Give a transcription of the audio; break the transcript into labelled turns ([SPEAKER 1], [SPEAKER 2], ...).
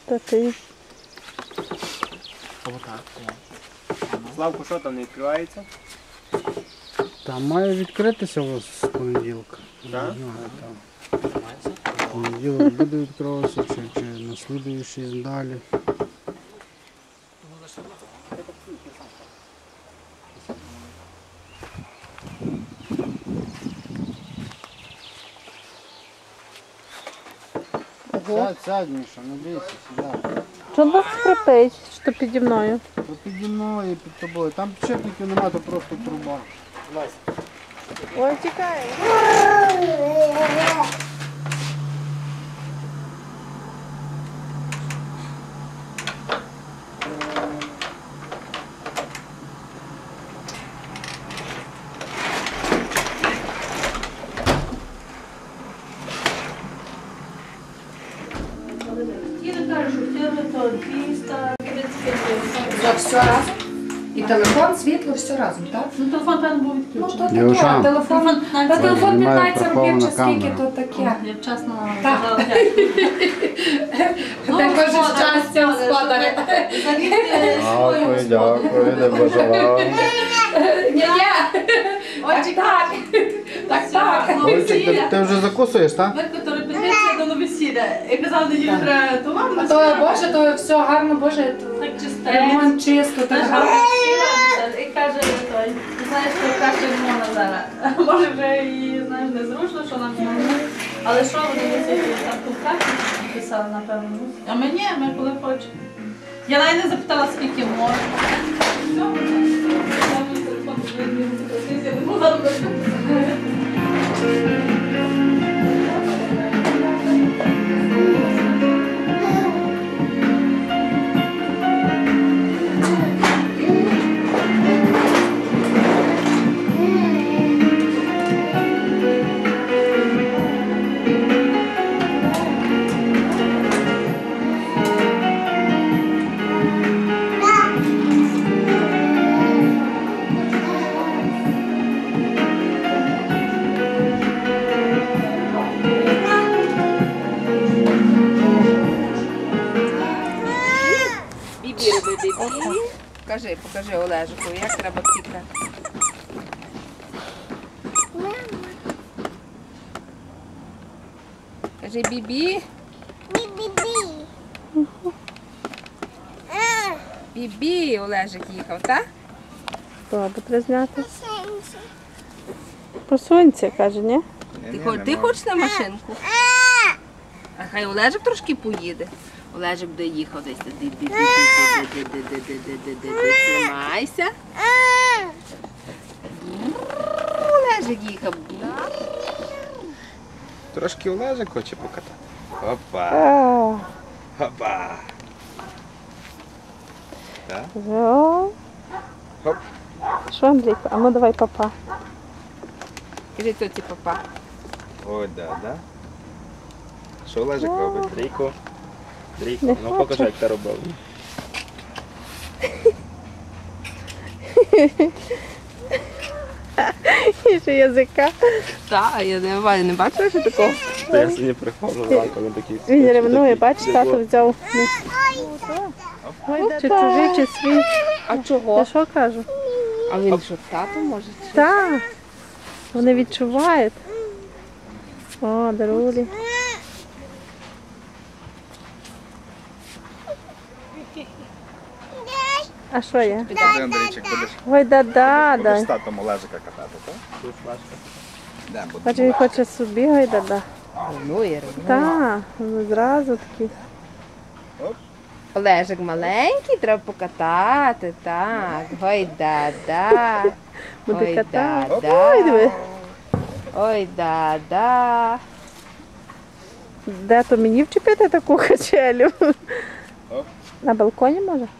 [SPEAKER 1] Та ти.
[SPEAKER 2] Славку, що там не відкривається?
[SPEAKER 3] Там має відкритися ось з понеділка.
[SPEAKER 2] Так?
[SPEAKER 3] Не знаю, там. Понеділок буде відкриватися, чи на слідуючий далі. Сядь, Міша, не бійся, сідай.
[SPEAKER 1] Що вас скрипить, що піді мною?
[SPEAKER 3] То піді мною і під тобою. Там підшипників немає, то просто труба.
[SPEAKER 1] Ой, тікає.
[SPEAKER 4] Все разом? І телефон, світло, все разом, так?
[SPEAKER 5] Ну, телефон певно був
[SPEAKER 4] Ну,
[SPEAKER 5] відключений.
[SPEAKER 4] то таке, телефон,
[SPEAKER 5] Телефон
[SPEAKER 4] та телефон
[SPEAKER 3] Немає
[SPEAKER 4] 15 років
[SPEAKER 3] прихована
[SPEAKER 4] чи скільки,
[SPEAKER 3] камера.
[SPEAKER 4] то таке.
[SPEAKER 5] Я вчасно
[SPEAKER 4] Так.
[SPEAKER 5] сказала.
[SPEAKER 4] Також щастя, господаря.
[SPEAKER 2] Дякую, не бажала.
[SPEAKER 4] Ні, так. Так.
[SPEAKER 3] Ольчик, ти вже закусуєш, так?
[SPEAKER 5] Батько репетиція до весілля. І казав, неділю треба товар.
[SPEAKER 4] А то, Боже, то все гарно, Боже,
[SPEAKER 5] Так чисто.
[SPEAKER 4] ремонт чисто, так гарно.
[SPEAKER 5] І каже, той, ти знаєш, що краще не можна зараз. Може вже і, знаєш, незручно, що нам не. Але що вони висять, там купкати писали, напевно. А ми коли хочемо. Я навіть не запитала, скільки можна. Все, я мій телефон вже не могла робити.
[SPEAKER 4] Покажи Олежику, як треба пікати. Кажи бібі. Бібі, Олежик їхав, так?
[SPEAKER 1] Бабу треба зняти. Посунься, каже, ні?
[SPEAKER 4] Ти хочеш на машинку? А хай Олежик трошки поїде. Олежик буде їхав десь. Тримайся. Олежик їхав.
[SPEAKER 2] Трошки Олежик хоче покатати. Опа,
[SPEAKER 1] А,
[SPEAKER 2] опа. Так?
[SPEAKER 1] о.
[SPEAKER 2] Хоп.
[SPEAKER 1] Що, Андрійко? А ну давай, папа.
[SPEAKER 4] Кажи тоді папа.
[SPEAKER 2] Ой, да. Що Олежик робить? Дрійко. Дрійко,
[SPEAKER 1] Не
[SPEAKER 2] ну
[SPEAKER 1] хоче.
[SPEAKER 2] покажи, як ти робив.
[SPEAKER 1] І ще язика.
[SPEAKER 4] Так, я не бачила, що такого.
[SPEAKER 2] Я сьогодні приходжу зранку на такий.
[SPEAKER 1] Він ревнує, бачиш, тато взяв. Чи чужий, чи свій.
[SPEAKER 4] А чого?
[SPEAKER 1] Я що кажу?
[SPEAKER 4] А він що, тато може?
[SPEAKER 1] Так. Вони відчувають. О, дарулі. А що є?
[SPEAKER 2] Ти, Андрійчик, будеш
[SPEAKER 1] Ой, да-да.
[SPEAKER 2] з татом Олежика катати, так? Тут флешка. Де буде?
[SPEAKER 1] Бачу, він хоче собі, ой, да-да.
[SPEAKER 4] Ревнує.
[SPEAKER 1] Так, зразу такі.
[SPEAKER 4] Олежик маленький, треба покатати, так. Ой, да-да.
[SPEAKER 1] Буде
[SPEAKER 4] Ой,
[SPEAKER 1] катати.
[SPEAKER 4] да-да.
[SPEAKER 1] Ой, диви.
[SPEAKER 4] Ой, да-да.
[SPEAKER 1] Де то мені вчепити таку качелю?
[SPEAKER 2] Оп.
[SPEAKER 1] На балконі може?